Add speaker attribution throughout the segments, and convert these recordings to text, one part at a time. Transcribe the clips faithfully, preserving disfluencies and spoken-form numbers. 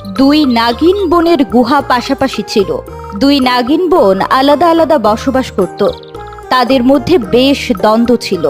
Speaker 1: দুই নাগিন বোনের গুহা পাশাপাশি ছিল। দুই নাগিন বোন আলাদা আলাদা বসবাস করত। তাদের মধ্যে বেশ দ্বন্দ্ব ছিল।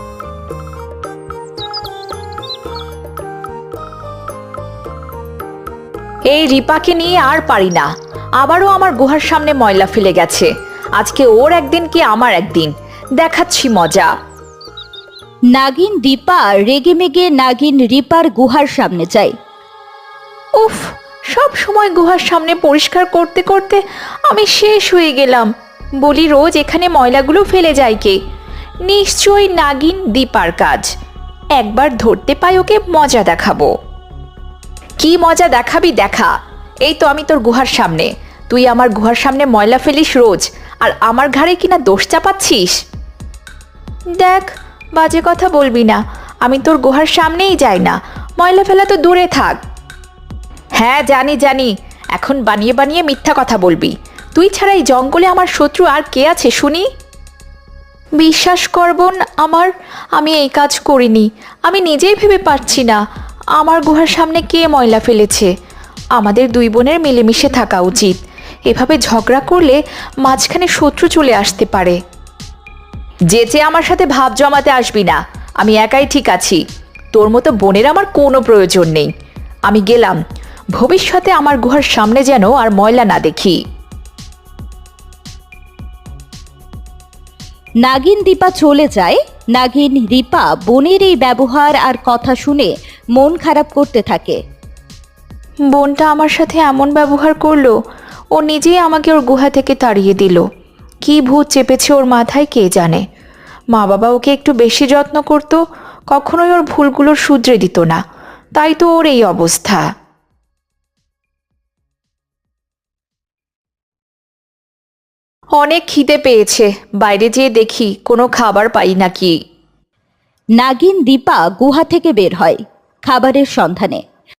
Speaker 2: এই রিপাকে নিয়ে আর পারি না, আবারও আমার গুহার সামনে ময়লা ফেলে গেছে। আজকে ওর একদিন কি আমার একদিন, দেখাচ্ছি মজা।
Speaker 1: নাগিন দীপা রেগে মেগে নাগিন রিপার গুহার সামনে যায়।
Speaker 2: উফ, সব সময় গুহার সামনে পরিষ্কার করতে করতে আমি শেষ হয়ে গেলাম। বলি রোজ এখানে ময়লাগুলো ফেলে যায় কে? নিশ্চয়ই নাগিন দীপার কাজ। একবার ধরতে পাই ওকে, মজা দেখাবো। কি মজা দেখাবি দেখা। এই তো আমি তোর গুহার সামনে, তুই আমার গুহার সামনে ময়লা ফেলিস রোজ, আর আমার ঘাড়ে কিনা দোষ চাপাচ্ছিস। দেখ, বাজে কথা বলবি না, আমি তোর গুহার সামনেই যাই না, ময়লা ফেলা তো দূরে থাক। হ্যাঁ জানি জানি, এখন বানিয়ে বানিয়ে মিথ্যা কথা বলবি। তুই ছাড়া এই জঙ্গলে আমার শত্রু আর কে আছে শুনি? বিশ্বাস কর বোন আমার, আমি এই কাজ করিনি। আমি নিজেই ভেবে পারছি না আমার গুহার সামনে কে ময়লা ফেলেছে। আমাদের দুই বোনের মিলেমিশে থাকা উচিত। এভাবে ঝগড়া করলে মাঝখানে শত্রু চলে আসতে পারে। যেচে আমার সাথে ভাব জমাতে আসবি না, আমি একাই ঠিক আছি। তোর মতো বোনের আমার কোনো প্রয়োজন নেই। আমি গেলাম, ভবিষ্যতে আমার গুহার সামনে যেন আর ময়লা না দেখি।
Speaker 1: নাগিন দীপা চলে যায়। নাগিন রিপা বোনের এই ব্যবহার আর কথা শুনে মন খারাপ করতে থাকে।
Speaker 2: বোনটা আমার সাথে এমন ব্যবহার করলো, ও নিজেই আমাকে ওর গুহা থেকে তাড়িয়ে দিল। কি ভূত চেপেছে ওর মাথায় কে জানে। মা বাবা ওকে একটু বেশি যত্ন করতো, কখনোই ওর ভুলগুলোর শুধরে দিত না, তাই তো ওর এই অবস্থা। অনেক খিদে পেয়েছে, বাইরে যেয়ে দেখি কোনো খাবার পাই নাকি।
Speaker 1: নাগিন দীপা গুহা থেকে বের হয় খাবারের সন্ধানে।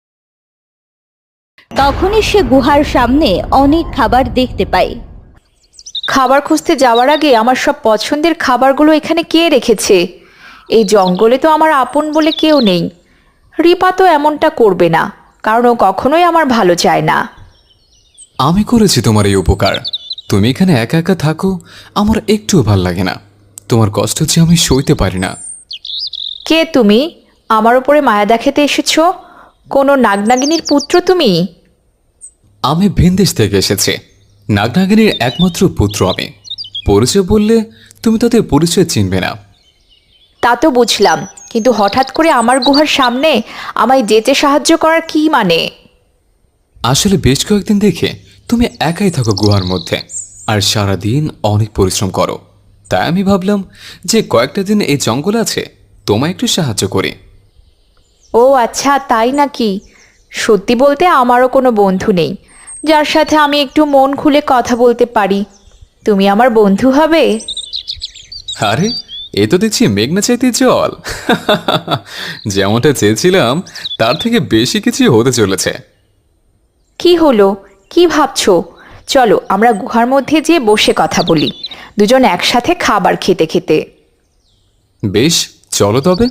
Speaker 1: তখনই সে গুহার সামনে অনেক খাবার দেখতে পায়।
Speaker 2: খাবার খুঁজতে যাওয়ার আগে আমার সব পছন্দের খাবারগুলো এখানে কে রেখেছে? এই জঙ্গলে তো আমার আপন বলে কেউ নেই। রিপা তো এমনটা করবে না, কারণ ও কখনোই আমার ভালো চায় না।
Speaker 3: আমি করেছি তোমার এই উপকার। তুমি এখানে একা একা থাকো, আমার একটুও ভাল লাগে না। তোমার কষ্ট যে আমি সইতে পারি না।
Speaker 2: কে তুমি? আমার উপরে মায়া দেখাতে এসেছ? কোনো নাগনাগিনীর পুত্র তুমি?
Speaker 3: আমি ভিনদেশ থেকে এসেছি। নাগনাগিনীর একমাত্র পুত্র আমি। পরিচয় বললে তুমি তাদের পরিচয় চিনবে না।
Speaker 2: তা তো বুঝলাম, কিন্তু হঠাৎ করে আমার গুহার সামনে আমায় যেতে সাহায্য করার কি মানে?
Speaker 3: আসলে বেশ কয়েকদিন দেখে তুমি একাই থাকো গুহার মধ্যে, আর সারাদিন অনেক পরিশ্রম করো। তাই আমি ভাবলাম যে কয়েকটা দিন এই জঙ্গল আছে, তোমায় একটু সাহায্য করি।
Speaker 2: ও আচ্ছা, তাই নাকি? সত্যি বলতে আমারও কোনো বন্ধু নেই যার সাথে আমি একটু মন খুলে কথা বলতে পারি। তুমি আমার বন্ধু হবে?
Speaker 3: আরে, এ তো দেখছি মেঘনা চাইতে জল। যেমনটা চেয়েছিলাম তার থেকে বেশি কিছু হতে চলেছে।
Speaker 2: কি হলো, কি ভাবছো? চলো আমরা গুহার মধ্যে যেয়ে বসে কথা বলি, দুজন একসাথে খাবার খেতে খেতে।
Speaker 3: বেশ, চলো তবে।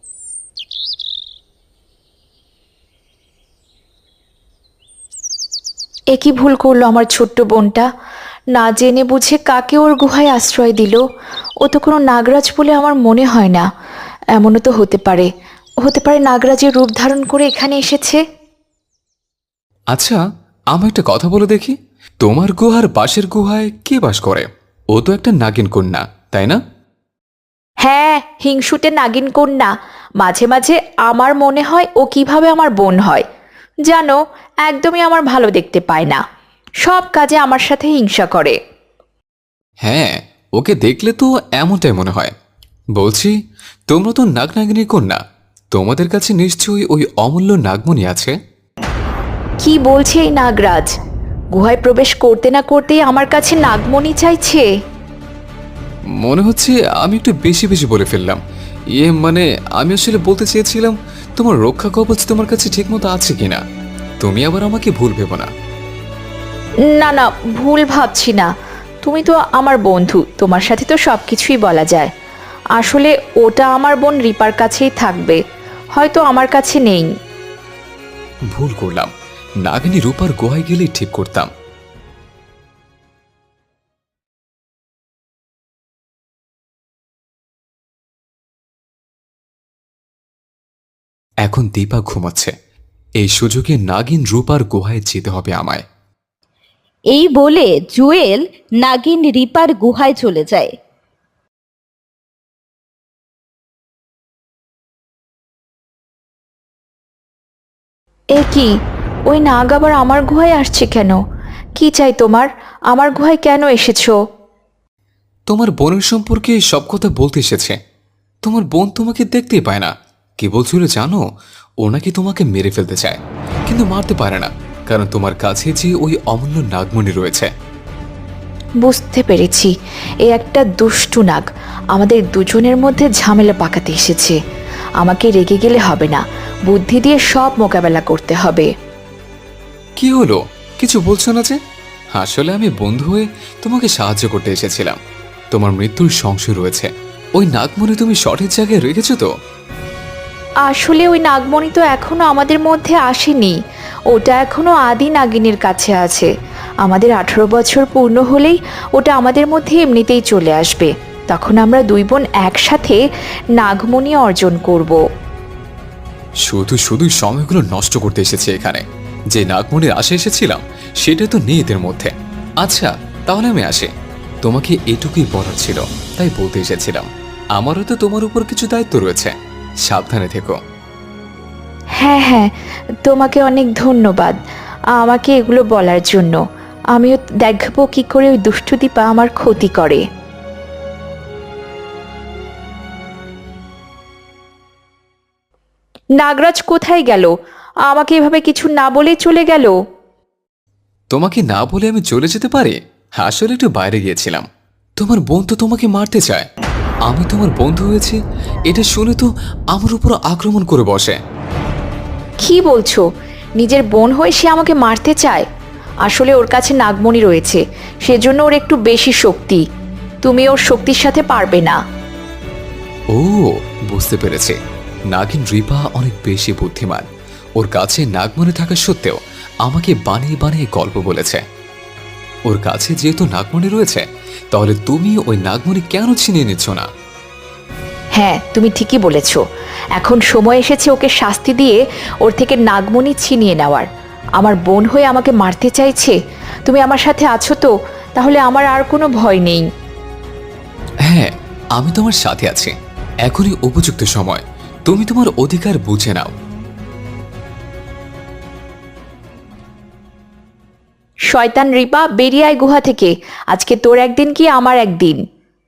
Speaker 2: এ কি ভুল করলো আমার ছোট্ট বোনটা, না জেনে বুঝে কাকে ওর গুহায় আশ্রয় দিল। ও তো কোনো নাগরাজ বলে আমার মনে হয় না। এমনও তো হতে পারে, হতে পারে নাগরাজের রূপ ধারণ করে এখানে এসেছে।
Speaker 3: আচ্ছা, আমি একটা কথা বলে দেখি, তোমার গুহার পাশের গুহায় কে বাস করে? ও তো একটা নাগিন কন্যা, তাই না?
Speaker 2: হ্যাঁ, হিংসুটে নাগিন কন্যা। মাঝে মাঝে আমার মনে হয় ও কিভাবে আমার বোন হয়। জানো, একদমই আমার ভালো দেখতে পায় না, সব কাজে আমার সাথে হিংসা করে।
Speaker 3: হ্যাঁ, ওকে দেখলে তো এমনটাই মনে হয়। বলছি, তোমরা তো নাগনাগিনীর কন্যা, তোমাদের কাছে নিশ্চয়ই ওই অমূল্য নাগমণি আছে।
Speaker 2: কি বলছে এই নাগরাজ? গুহায় প্রবেশ করতে না করতেই আমার কাছে নাগমণি চাইছে।
Speaker 3: মনে হচ্ছে আমি একটু বেশি বেশি বলে ফেললাম। ইয়ে মানে, আমি আসলে বলতে চেয়েছিলাম তোমার রক্ষা কবচ তোমার কাছে ঠিকমতো আছে কিনা। তুমি আবার আমাকে ভুল ভেবো না।
Speaker 2: না না, ভুল ভাবছি না। তুমি তো আমার বন্ধু, তোমার সাথে তো সব কিছুই বলা যায়। আসলে ওটা আমার বোন রিপার কাছেই থাকবে, হয়তো আমার কাছে নেই।
Speaker 3: ভুল করলাম, নাগিনী রূপার গুহায় গেলেই ঠিক করতাম। এখন দীপা ঘুমাচ্ছে, এই সুযোগে নাগিন রূপার গুহায় যেতে হবে আমায়।
Speaker 1: এই বলে জুয়েল নাগিন রিপার গুহায় চলে যায়।
Speaker 2: এ কি, ওই নাগ আবার আমার গুহায় আসছে কেন? কি চাই তোমার? আমার গুহায় কেন এসেছো?
Speaker 3: তোমার বোনের সম্পর্কে সব কথা বলতে এসেছে। তোমার বোন তোমাকে দেখতেই পায় না, কি বলছিল জানো? ও নাকি তোমাকে মেরে ফেলতে চায়, কিন্তু মারতে পারে না, কারণ তোমার কাছে যে ওই অমূল্য নাগমণি রয়েছে।
Speaker 2: বুঝতে পেরেছি, এ একটা দুষ্টু নাগ আমাদের দুজনের মধ্যে ঝামেলা পাকাতে এসেছে। আমাকে রেগে গেলে হবে না, বুদ্ধি দিয়ে সব মোকাবেলা করতে হবে।
Speaker 3: কি হলো, কিছু বলছো না যে? আসলে আমি বন্ধু হয়ে তোমাকে সাহায্য করতে এসেছিলাম। তোমার মৃত্যুর সংশয় রয়েছে, ওই নাগমণি তুমি সঠিক জায়গায় রেখেছো তো?
Speaker 2: আসলে ওই নাগমণি তো এখনো আমাদের মধ্যে আসেনি, ওটা এখনো আদি নাগিনীর কাছে আছে। আমাদের আঠারো বছর পূর্ণ হলেই ওটা আমাদের মধ্যে এমনিতেই চলে আসবে, তখন আমরা দুই বোন একসাথে নাগমণি অর্জন করব।
Speaker 3: শুধু শুধু সময়গুলো নষ্ট করতে এসেছে এখানে। যে নাগমণির আশে এসেছিলাম সেটা তো নেই এদের মধ্যে। আচ্ছা, তাহলে আমি আসি। তোমাকে এটুকুই বলার ছিল, তাই বলতে এসেছিলাম। আমারও তো তোমার উপর কিছু দায়িত্ব রয়েছে, সাবধানে থেকো।
Speaker 2: হ্যাঁ হ্যাঁ, তোমাকে অনেক ধন্যবাদ আমাকে এগুলো বলার জন্য। আমিও দেখবো কি করে ওই দুষ্টু দীপা আমার ক্ষতি করে। নাগরাজ কোথায় গেল? আমাকে এভাবে কিছু না বলে চলে গেল।
Speaker 3: তোমাকে না বলে আমি চলে যেতে পারি? আসলে একটু বাইরে গিয়েছিলাম। তোমার বোন তো তোমাকে মারতে চায়, আমি তোমার বন্ধু হয়েছি এটা শুনে তো আমার উপর আক্রমণ করে বসে।
Speaker 2: কি বলছো? নিজের বোন হয়ে সে আমাকে মারতে চায়? আসলে ওর কাছে নাগমণি রয়েছে, সেজন্য ওর একটু বেশি শক্তি। তুমি ওর শক্তির সাথে পারবে না।
Speaker 3: ও, বুঝতে পেরেছি। নাগিন রিপা অনেক বেশি বুদ্ধিমান। ওর কাছে নাগমণি থাকা সত্ত্বেও আমাকে বানিয়ে বানিয়ে গল্প বলেছে। ওর কাছে যেহেতু নাগমণি রয়েছে, তাহলে তুমি ওই নাগমণি কেন ছিনিয়ে নিচ্ছ না?
Speaker 2: হ্যাঁ, তুমি ঠিকই বলেছ। এখন সময় এসেছে ওকে শাস্তি দিয়ে ওর থেকে নাগমণি ছিনিয়ে নেওয়ার। আমার বোন হয়ে আমাকে মারতে চাইছে, তুমি আমার সাথে আছো তো? তাহলে আমার আর কোনো ভয় নেই।
Speaker 3: হ্যাঁ, আমি তোমার সাথে আছি। এখনই উপযুক্ত সময়, তুমি তোমার অধিকার বুঝে নাও।
Speaker 2: শয়তান রিপা, বেরিয়ে আয় গুহা থেকে। আজকে তোর একদিন কি আমার একদিন।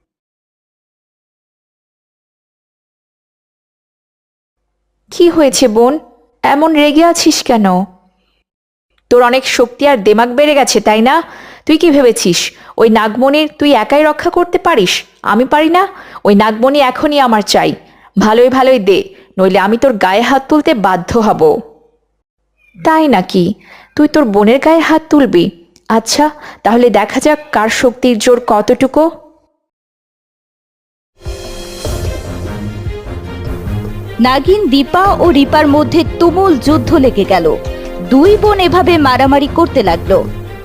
Speaker 2: কি হয়েছে বোন, এমন রেগে আছিস কেন? তোর অনেক শক্তি আর দেমাগ বেড়ে গেছে, তাই না? তুই কি ভেবেছিস ওই নাগমণির তুই একাই রক্ষা করতে পারিস? আমি পারি না। ওই নাগমণি এখনই আমার চাই। ভালোই ভালোই দে, নইলে আমি তোর গায়ে হাত তুলতে বাধ্য হব। তাই নাকি? তুই তোর বোনের গায়ে হাত তুলবি? আচ্ছা, তাহলে দেখা যাক কার শক্তির জোর কতটুকু।
Speaker 1: নাগিন দীপা ও রিপার মধ্যে তুমুল যুদ্ধ লেগে গেল। দুই বোন এভাবে মারামারি করতে লাগলো।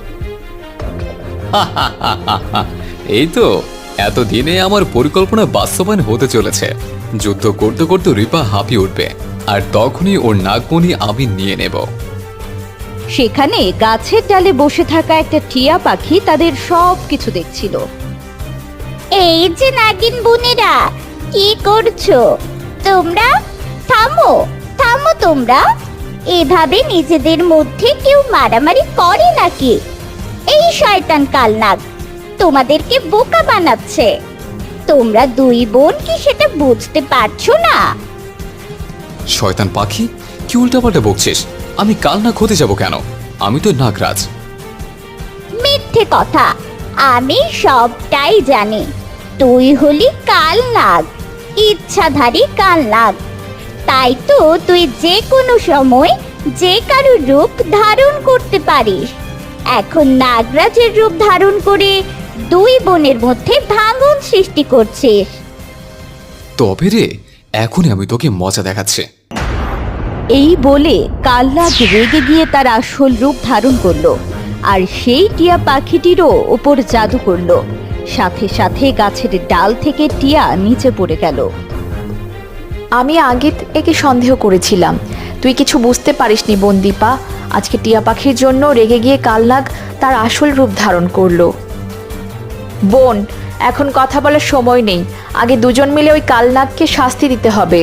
Speaker 3: এই তো, এতদিনে আমার পরিকল্পনা বাস্তবায়ন হতে চলেছে। যুদ্ধ করতে করতে রিপা হাঁপিয়ে উঠবে, আর তখনই ওর নাগমণি আমি নিয়ে নেব।
Speaker 1: সেখানে গাছের ডালে বসে থাকা একটা টিয়া পাখি তাদের সব কিছু দেখছিল। এই যে নাগিন বোনেরা, কি করছো তোমরা? থামো থামো তোমরা, এভাবে নিজেদের মধ্যে কেউ মারামারি করে নাকি? এই শয়তান কালনাগ তোমাদেরকে বোকা বানাচ্ছে। তোমরা দুই বোন কি সেটা বুঝতে পারছো না?
Speaker 3: শয়তান পাখি, কি উল্টাপাল্টা বকছিস? আমি কাল না হতে যাব কেন? আমি তো নাগরাজ।
Speaker 1: মিথ্যে কথা, আমি সবটাই জানি। তুই হলি কালনাগ, ইচ্ছাধারী কালনাগ। তাই তো তুই যে কোনো সময় যে কারো রূপ ধারণ করতে পারিস। এখন নাগরাজের রূপ ধারণ করে দুই বোনের মধ্যে ভাঙন সৃষ্টি করছিস।
Speaker 3: তবে রে, এখনই আমি তোকে মজা দেখাচ্ছি।
Speaker 1: এই বলে কালনাগ রেগে গিয়ে তার আসল রূপ ধারণ করলো আর সেই টিয়া পাখিটিরও ওপর জাদু করলো। সাথে সাথে গাছের ডাল থেকে টিয়া নিচে পড়ে গেল।
Speaker 2: আমি আগে একে সন্দেহ করেছিলাম, তুই কিছু বুঝতে পারিসনি বোন দীপা। আজকে টিয়া পাখির জন্য রেগে গিয়ে কালনাগ তার আসল রূপ ধারণ করলো। বোন, এখন কথা বলার সময় নেই, আগে দুজন মিলে ওই কালনাগকে শাস্তি দিতে হবে।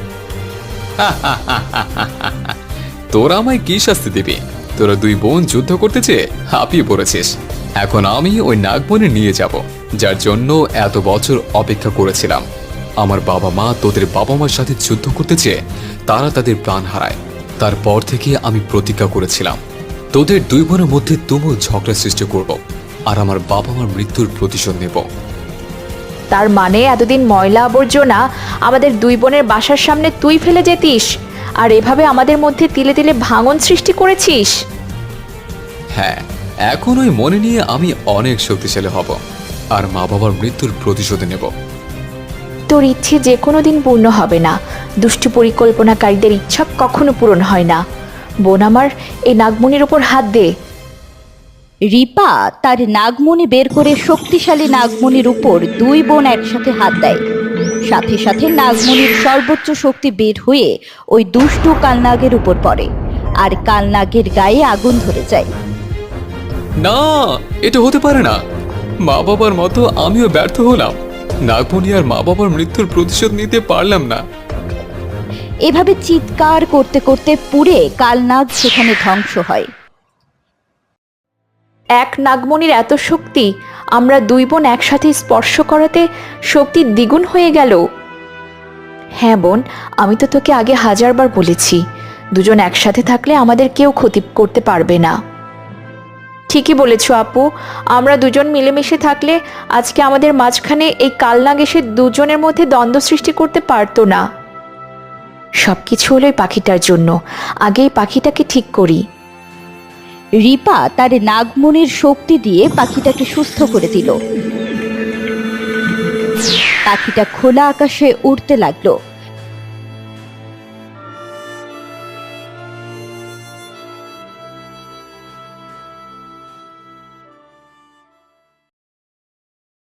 Speaker 3: তোরা আমায় কি শাস্তি দিবি? তোরা দুই বোন যুদ্ধ করতে চেয়ে হাঁপিয়ে পড়েছিস। এখন আমি ওই নাগমণি নিয়ে যাব, যার জন্য এত বছর অপেক্ষা করেছিলাম। আমার বাবা মা তোদের বাবা মার সাথে যুদ্ধ করতে চেয়ে তারা তাদের প্রাণ হারায়। তারপর থেকে আমি প্রতিজ্ঞা করেছিলাম তোদের দুই বোনের মধ্যে তুমুল ঝগড়া সৃষ্টি করব আর আমার বাবা মার মৃত্যুর প্রতিশোধ নেব।
Speaker 2: তার মানে এতদিন ময়লা আবর্জনা আমাদের দুই বোনের বাসার সামনে তুই ফেলে যেতিস, আর এভাবে আমাদের মধ্যে তিলে তিলে ভাঙন সৃষ্টি করেছিস।
Speaker 3: হ্যাঁ, এখন ওই মনে নিয়ে আমি অনেক শক্তিশালী হব আর মা বাবার মৃত্যুর প্রতিশোধ নেব।
Speaker 2: তোর ইচ্ছে যে কোনো দিন পূর্ণ হবে না। দুষ্টু পরিকল্পনাকারীদের ইচ্ছা কখনো পূরণ হয় না। বোন আমার, এই নাগমণির ওপর হাত দে।
Speaker 1: রিপা তার নাগমণি বের করে শক্তিশালী নাগমণির উপর দুই বোন একসাথে হাত দেয়। সাথে সাথে নাগমণির সর্বোচ্চ শক্তি বের হয়ে ওই দুষ্টু কালনাগের উপর পড়ে আর কালনাগের গায়ে আগুন ধরে যায়।
Speaker 3: না, এটা হতে পারে না। মা বাবার মতো আমিও ব্যর্থ হলাম। নাগমণি আর মা বাবার মৃত্যুর প্রতিশোধ নিতে পারলাম না।
Speaker 1: এভাবে চিৎকার করতে করতে পুড়ে কালনাগ সেখানে ধ্বংস হয়।
Speaker 2: এক নাগমণির এত শক্তি, আমরা দুই বোন একসাথে স্পর্শ করাতে শক্তি দ্বিগুণ হয়ে গেল। হ্যাঁ বোন, আমি তো তোকে আগে হাজারবার বলেছি, দুজন একসাথে থাকলে আমাদের কেউ ক্ষতি করতে পারবে না। ঠিকই বলেছ আপু, আমরা দুজন মিলেমিশে থাকলে আজকে আমাদের মাঝখানে এই কালনাগ এসে দুজনের মধ্যে দ্বন্দ্ব সৃষ্টি করতে পারতো না। সব কিছু হলো এই পাখিটার জন্য। আগে এই পাখিটাকে ঠিক করি।
Speaker 1: রিপা তার নাগমণির শক্তি দিয়ে পাখিটাকে সুস্থ করে দিল। পাখিটা খোলা আকাশে উড়তে লাগলো।